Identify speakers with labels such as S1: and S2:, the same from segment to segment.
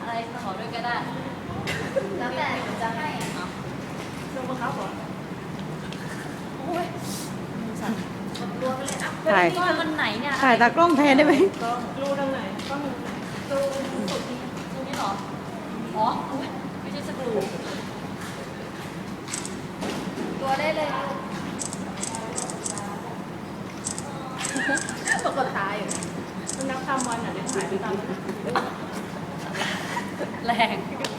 S1: อะไรขอด้วยก็ได้แล้วแต่จะให้ลงมาครับก่อนโอ้ยสั่นรัวไปเลยอ่ะถ่ายวันไหนเนี่ย
S2: ถ่ายตากล้องแทนได้ไหม
S1: รูทางไหนกล้องรูสุดนี้รูนี้หรออ๋อไม่ใช่สกรูตัวได้เลยปกติตายอยู่มันนับตามวันอ่ะเดี๋ยวถ่ายไปตามแรง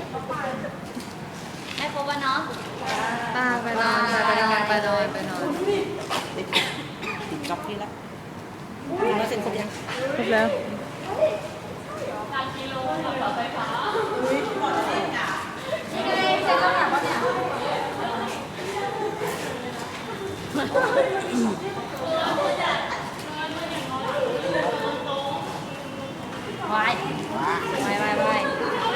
S1: ให้ครบวันเนาะ
S2: ไปนอนไปนอนไปนอนไปนอน
S3: จบที่แล้วแล้วเซ็นครบยัง
S2: ครบแล้ว
S1: การกิโลต่อไฟฟ้านี่ไงเซ็นแล้วเนี่ยว่าเนี่ยวายวาย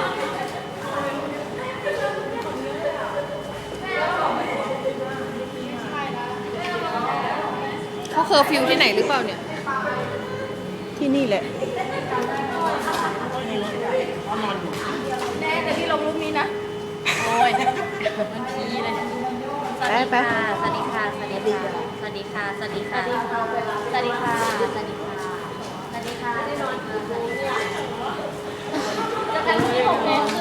S2: เขาเคอร์ฟิวที่ไหนหรือเปล่าเนี่ย ที่นี่แหละ
S1: แน่แต่ที่ลงรูปนี้นะโอ้ยมันพีเลยสวัสดีค่ะสวัสดีค่ะสวัสดีค่ะสวัสดีค่ะสวัสดีค่ะสวัสดีค่ะสวัสดีค่ะสวัสดีค่ะได้นอนค่ะจะกันที่6 โมง